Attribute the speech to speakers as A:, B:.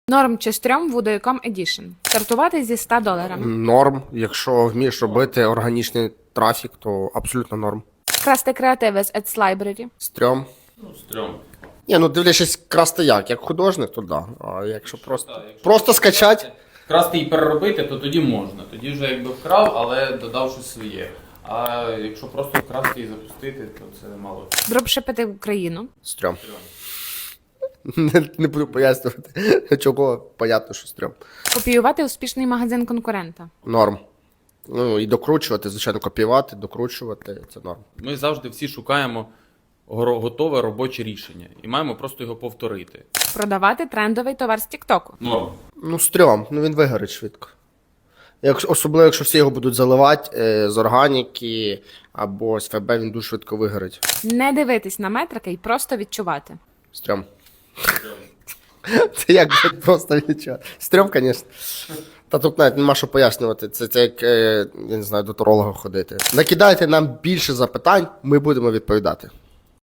A: Норм чи стрьом Voodoo.com Edition. Стартувати зі $100.
B: Норм. Якщо вмієш робити органічний трафік, то абсолютно норм.
A: Красти креативи з Ads Library.
B: Стрьом.
C: Стрьом.
B: Ні, ну дивлячись красти як художник, то да. А якщо просто скачати.
C: Красти і переробити, то тоді можна. Тоді вже якби вкрав, але додав щось своє. А якщо просто вкрасти і запустити, то це мало.
A: Дропшипити Україну.
B: Стрьом. Не буду пояснювати, чого понятно, що стрьом.
A: Копіювати успішний магазин конкурента.
B: Норм. Ну і докручувати, звичайно, копіювати, докручувати це норм.
C: Ми завжди всі шукаємо готове робоче рішення і маємо просто його повторити.
A: Продавати трендовий товар з Тіктоку.
C: Норм.
B: Ну, стрьом, ну він вигорить швидко. Особливо, якщо всі його будуть заливати з органіки або з ФБ, він дуже швидко вигорить.
A: Не дивитись на метрики і просто відчувати.
B: Стрьом. Це як блядь, просто відчувати. Стрьом, звісно. Та тут навіть нема що пояснювати. Це як, я не знаю, до таролога ходити. Накидайте нам більше запитань, ми будемо відповідати.